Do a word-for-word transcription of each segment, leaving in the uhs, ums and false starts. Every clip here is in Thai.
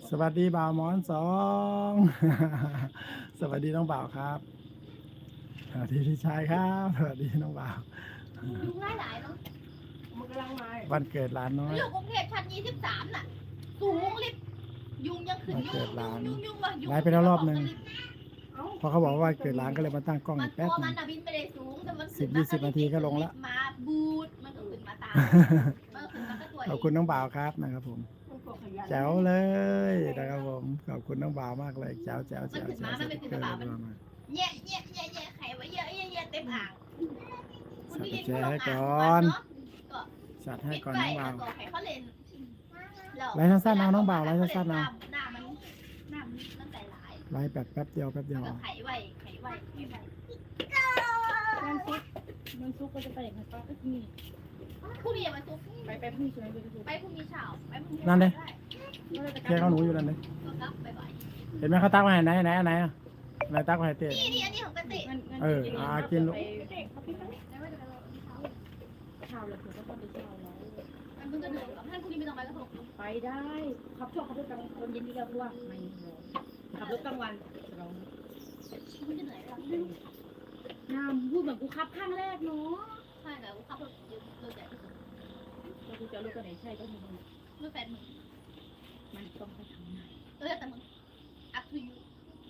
สวัสดีบ่าวหมอนสอง สวัสดีน้องบ่าวครับสวัสดีพี่ชายครับสวัสดีน้องบ่าวยุงหลายๆเนาะมันกำลังมาวันเกิดหลานน้อยอยู่กรุงเทพชั้นยี่สิบสามน่ะ สูงลิฟต์ยุงยังขึ้นวันยุเกิงดหลานยุงยุงว่ะยุงไลฟ์ไปแล้วรอบหนึ่งเอ้าพอเขาบอกว่าวันเกิดหลานก็เลยมาตั้งกล้องมัอีนกแป๊บตัวหนึมันงน่ะบินไปได้สูงแต่มันสิบยี่สิบนาทีก็ลงละมาบูดมันก็ขึ้นมาตามมันก็ขึ้นมาก็ตัวขอบคุณน้องบ่าวครับนะครับผมมันกดขยันแจ๋วเลยนะครับผมขอบคุณน้องบ่าวมากเลยแจ๋วแจ๋วมันแจ๋วขึ้นแจ๋มาว มันสเป็นติ๊กขึ้นเกอมาร์มันมามาแย่แย่แย่แย่ไข่ไว้เยอะแย่แย่เต็มอ่างสัตว์แจ๋ให้ก่อนก็จัดให้ปิดก่อนไฟน้องบ่าวแล้วก็ให้เขาเล่นไลฟ์สั้นๆเอาน้องบ่าวไลฟ์สั้นๆเอาหน้ามันหน้ามันตั้งใจหลายไลฟ์แบบแป๊บเดียวแป๊บเดียวก็ไขไว้ไขไว้ไขไว้มันซุกมันซุกก็จะไปอย่างไรก็มีพรุ่งนี้มันซุกไปไปพรุ่งนี้ใช่ไหมไปดูไปพรุ่งนี้เช้าไปพรุ่งนี้นั่นเลยได้แค่เขาหนูอยู่นั่นเลยก็กลับไปบ่ายเห็นไหมเขาตักมาไหนไหนไหนอ่ะไหนตักมาให้เต้นี่นี่อันนี้ของกติเอออ่ากินลูกได้ว่าจะไปรอที่เช้าเช้าแล้วถึงก็ต้องไปเช้าแล้วมันเพิ่งจะเดินกับท่านพรุ่งนี้ไม่ต้องไปกระทงไปได้ขับชอบขับรถกลางตอนเย็นที่เราว่าไม่ขับรถกลางวันเราคุณจะเหนื่อยหรอน้ำพูดเหมือนกูขับข้างแรกเนาะใช่แต่ว่าขับรถเยอะรถใหญ่ที่สุดแล้วกูจะรถกันไหนใช่ก็มีรถแฟนมึงมันต้องไปทำงานเออแต่มึง up to you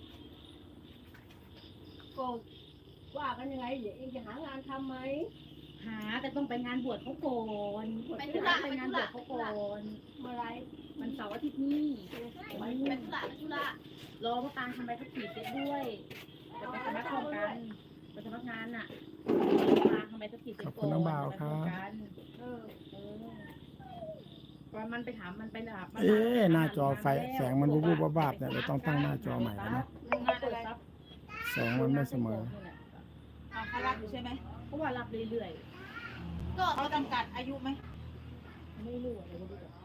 ก็ว่ากันยังไงเดี๋ยวเองจะหางานทำไหมหาแต่ต้องไปงานบวชเขาก่อนไปงานบวชเขาก่อนเมื่อไรมันเสาร์อาทิตย์นี้ไปธุระไปธุระรอพระตาทำใบขับขี่เสร็จด้วยจะไปสมัครพร้อมกันไปสมัครงานน่ะตาทำใบขับขี่เสร็จขอบก่คุอนณน้องบ่าวครับเออเออว่ามันไปถามมันไปถามเอ๊ะหน้าจอไฟแสงมันวูบๆวาบๆเนี่ยเราต้องตั้งหน้าจอใหม่แล้วเนาะเปิดซับแสงมันไม่เสมอเอาเขารับอยู่ใช่ไหมเพราะว่ารับเรื่อยก็เขาจำกัดอายุไหมๆไม่รู้อะไรก็รู้จัก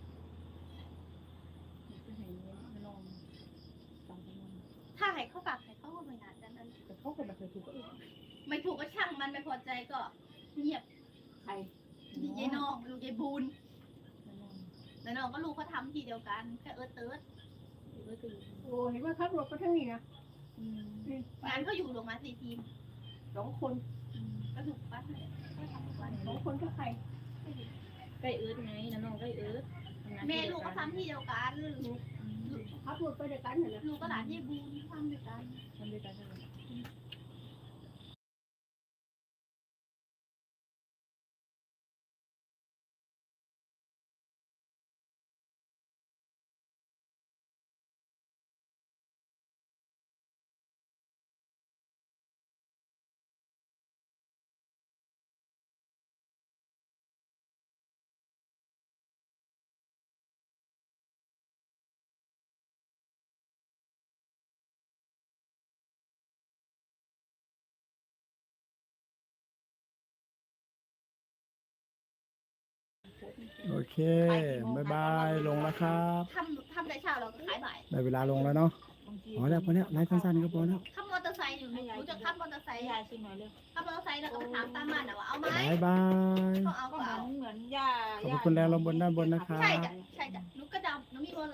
จะให้เงินไม่ลองจำไม่ลองถ้าให้เขาฝากให้เขาก็ไม่นานดังนั้นแต่เขาก็ไม่เคยถูกก็เองไม่ถูกก็ช่างมันไม่พอใจก็เงียบใครยายน้องลูกยายบูนไม่ลองแล้วน้องก็ลูกเขาทำทีเดียวกันแค่เออเติร์ดเออก็อยู่โอ้เห็นว่าขับรถก็ทั้งนี้นะอืมงานเขาอยู่ลงมาสี่ทีมสองคนก็ถูกปั้นเลยก็ทำทุกวันสองคนก็ใครใกล้เอิร์ดไงน้าน้องใกล้เอิร์ดทำงานแม่ที่เดีลูยวกกัก็นทำทีเดียวกันขับรถไปด้วยกันเหรอลูกก็หลานยายบูนทำด้วยกันทำด้วยกันใช่ไหมโอเคบายบายลงแล้วครับทำทำแต่เช้าเราก็ขายบ่ายได้เวลาลงแล้วเนาะพอแล้วพอแล้วไลฟ์สั้นๆก็พอแล้วขับมอเตอร์ไซค์อยู่หนูจะขับมอเตอร์ไซค์ยายชิมหน่อยเร็วขับมอเตอร์ไซค์แล้วก็ไปถามตามบ้านนะว่าเอาไหมบายบายก็เอาก็ก็เหมือเอานเหมือนย่าขอบคุณแรงลงบนด้านบนนะครับใช่จ้ะใช่จ้ะ